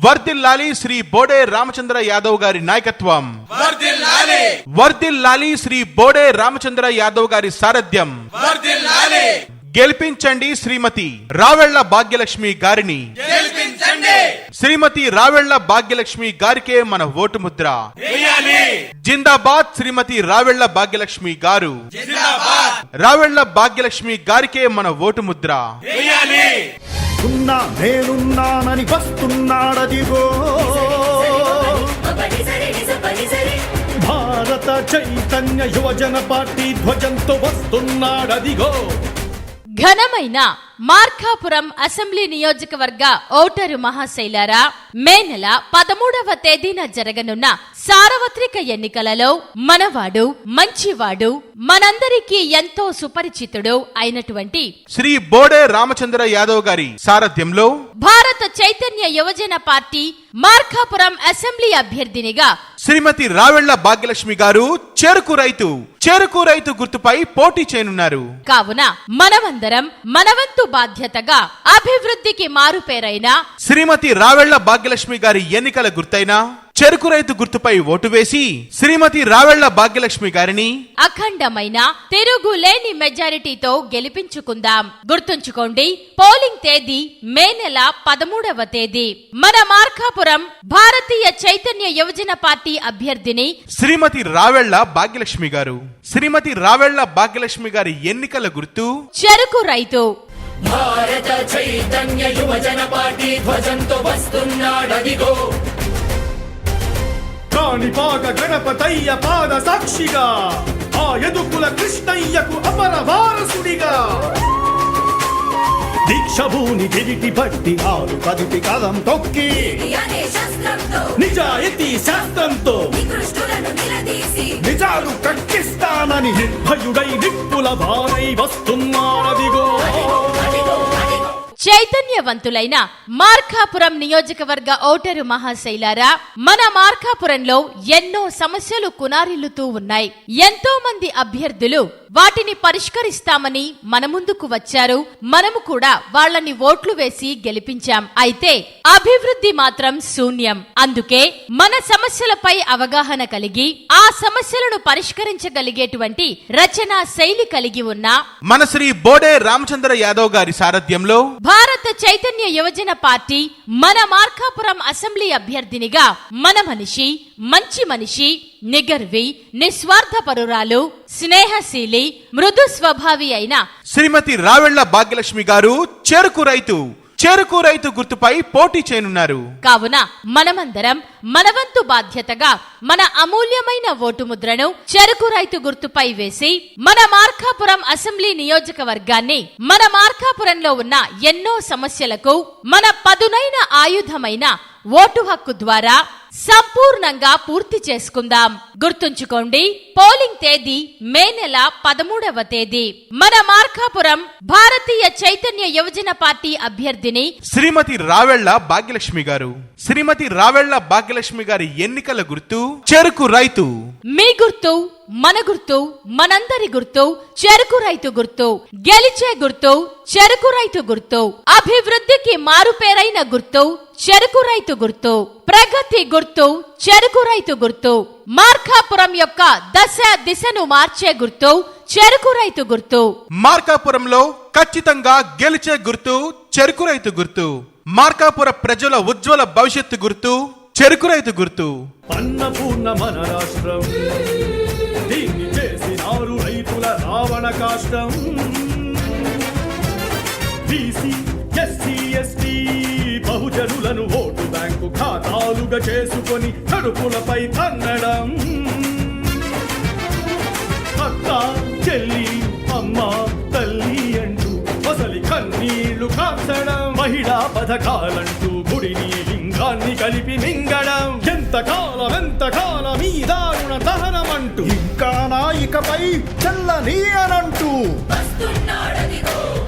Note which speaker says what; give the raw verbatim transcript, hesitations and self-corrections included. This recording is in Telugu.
Speaker 1: వర్ధిల్లాలి శ్రీ బోడే రామచంద్ర యాదవ్ గారి నాయకత్వం,
Speaker 2: వర్ధిల్లాలి
Speaker 1: వర్ధిల్లాలి శ్రీ బోడే రామచంద్ర యాదవ్ గారి సారథ్యం,
Speaker 2: వర్ధిల్లాలి
Speaker 1: గెలిపించండి శ్రీమతి రావెళ్ల భాగ్యలక్ష్మి గారిని,
Speaker 2: గెలిపించండి
Speaker 1: శ్రీమతి రావెళ్ల భాగ్యలక్ష్మి గారికే మన ఓటు ముద్ర
Speaker 2: వేయాలి.
Speaker 1: జిందాబాద్ శ్రీమతి రావెళ్ల భాగ్యలక్ష్మి గారు,
Speaker 2: జిందాబాద్
Speaker 1: రావెళ్ల భాగ్యలక్ష్మి గారికే మన ఓటు ముద్ర
Speaker 2: వేయాలి.
Speaker 3: ఉన్నా నేనున్నానని వస్తున్నాడదిగో భారత చైతన్య యువజన పార్టీ ధ్వజంతో వస్తున్నాడదిగో.
Speaker 4: ఘనమైన మార్కాపురం అసెంబ్లీ నియోజకవర్గ ఓటరు మహాశైలారా, మే నెల పదమూడవ తేదీన జరగనున్న సార్వత్రిక ఎన్నికలలో మనవాడు మంచివాడు మనందరికీ ఎంతో సుపరిచితుడు అయినటువంటి
Speaker 1: శ్రీ బోడే రామచంద్ర యాదవ్ గారి సారథ్యంలో
Speaker 4: భారత చైతన్య యువజన పార్టీ మార్కాపురం అసెంబ్లీ అభ్యర్థినిగా
Speaker 1: శ్రీమతి రావెళ్ల భాగ్యలక్ష్మి గారు చెరుకు రైతు చెరుకు రైతు గుర్తుపై పోటీ చేయనున్నారు.
Speaker 4: కావున మనమందరం మనవంతు బాధ్యతగా అభివృద్ధికి మారుపేరైన
Speaker 1: శ్రీమతి రావెళ్ల భాగ్యలక్ష్మి గారి ఎన్నికల గుర్తైన చెరుకు రైతు గుర్తుపై ఓటు వేసి శ్రీమతి రావెళ్ల భాగ్యలక్ష్మి గారిని
Speaker 4: అఖండమైన తిరుగులేని మెజారిటీతో గెలిపించుకుందాం. గుర్తుంచుకోండి, పోలింగ్ తేదీ మే నెల పదమూడవ తేదీ. మన మార్కాపురం భారతీయ చైతన్య యువజన పార్టీ అభ్యర్థిని
Speaker 1: శ్రీమతి రావెళ్ల భాగ్యలక్ష్మి గారు. శ్రీమతి రావెళ్ల భాగ్యలక్ష్మి గారి ఎన్నికల గుర్తు
Speaker 4: చెరుకు రైతు.
Speaker 2: భారత చైతన్య యువజన పార్టీ ధ్వజంతో వస్తున్నాడదిగో.
Speaker 3: కాణిపాక గణపతయ్య పాద సాక్షిగా ఆ యదుకుల కృష్ణయ్యకు అమర వారసుడిగా దీక్షభూని గిరిటి బట్టి ఆరు కదిపి కదం తొక్కి నిజాయితీ శాస్త్రంతో నిజాలు కక్కిస్తానని నిర్భయుడై నిప్పుల భారై వస్తున్నాడదిగో.
Speaker 4: చైతన్యవంతులైన మార్కాపురం నియోజకవర్గ ఓటరు మహాశైలారా, మన మార్కాపురంలో ఎన్నో సమస్యలు కునారిల్లుతూ ఉన్నాయి. ఎంతో మంది అభ్యర్థులు వాటిని పరిష్కరిస్తామని మన ముందుకు వచ్చారు. మనము కూడా వాళ్ళని ఓట్లు వేసి గెలిపించాం. అయితే అభివృద్ధి మాత్రం శూన్యం. అందుకే మన సమస్యలపై అవగాహన కలిగి ఆ సమస్యలను పరిష్కరించగలిగేటువంటి రచనా శైలి కలిగి ఉన్న
Speaker 1: మన శ్రీ బోడే రామచంద్ర యాదవ్ గారి సారథ్యంలో
Speaker 4: భారత చైతన్య యువజన పార్టీ మన మార్కాపురం అసెంబ్లీ అభ్యర్థినిగా మన మనిషి, మంచి మనిషి, నిగర్వి, నిస్వార్థపరురాలు, స్నేహశీలి, మృదు స్వభావి అయిన
Speaker 1: శ్రీమతి రావెళ్ల భాగ్యలక్ష్మి గారు చెరుకు రైతు చెరుకు రైతు గుర్తుపై పోటీ చేయనున్నారు.
Speaker 4: కావున మనమందరం మనవంతు బాధ్యతగా మన అమూల్యమైన ఓటు ముద్రను చెరుకు రైతు గుర్తుపై వేసి మన మార్కాపురం అసెంబ్లీ నియోజకవర్గాన్ని, మన మార్కాపురంలో ఉన్న ఎన్నో సమస్యలకు మన పదునైన ఆయుధమైన ఓటు హక్కు ద్వారా సంపూర్ణంగా పూర్తి చేసుకుందాం. గుర్తుంచుకోండి, పోలింగ్ తేదీ మే నెల పదమూడవ తేదీ. మన మార్కాపురం భారతీయ చైతన్య యువజన పార్టీ అభ్యర్థిని
Speaker 1: శ్రీమతి రావెళ్ల భాగ్యలక్ష్మి గారు. శ్రీమతి రావెళ్ల భాగ్యలక్ష్మి గారి ఎన్నికల గుర్తు చెరుకు రైతు.
Speaker 4: మీ గుర్తు మన గుర్తు, మనందరి గుర్తు చెరుకు రైతు గుర్తు. గెలిచే గుర్తు చెరుకు రైతు గుర్తు. అభివృద్ధికి మారుపేరైన గుర్తు చెరుకు రైతు గుర్తు. ప్రగతి గుర్తు చెరుకు రైతు గుర్తు. మార్కాపురం యొక్క దశ దిశను మార్చే గుర్తు చెరుకు రైతు గుర్తు.
Speaker 1: మార్కాపురంలో ఖచ్చితంగా గెలిచే గుర్తు చెరుకు రైతు గుర్తు. మార్కాపుర ప్రజల ఉజ్వల భవిష్యత్తు గుర్తు చెరుకు రైతు గుర్తు.
Speaker 3: అన్నపూర్ణ మన రాష్ట్రం, దీన్ని చేసినారు రైతుల రావణ కాష్టం. బీసీ, ఎస్సీ, ఎస్టీ బహుజనులను ఓటు బ్యాంకు ఖాతాలుగా చేసుకొని కడుపులపై తన్నడం. అక్క, చెల్లి, అమ్మ, తల్లి అంటూ అసలి కన్నీళ్లు కాల్చడం. మహిళా పథకాలంటూ గుడిని లింగాన్ని కలిపి మింగడం. ఎంతకాలం ఎంతకాలం ఈ దారుణ దహనమంటూ ఇంకా నాయికపై చల్లని అనంటూ
Speaker 2: వస్తున్నాడదిగో.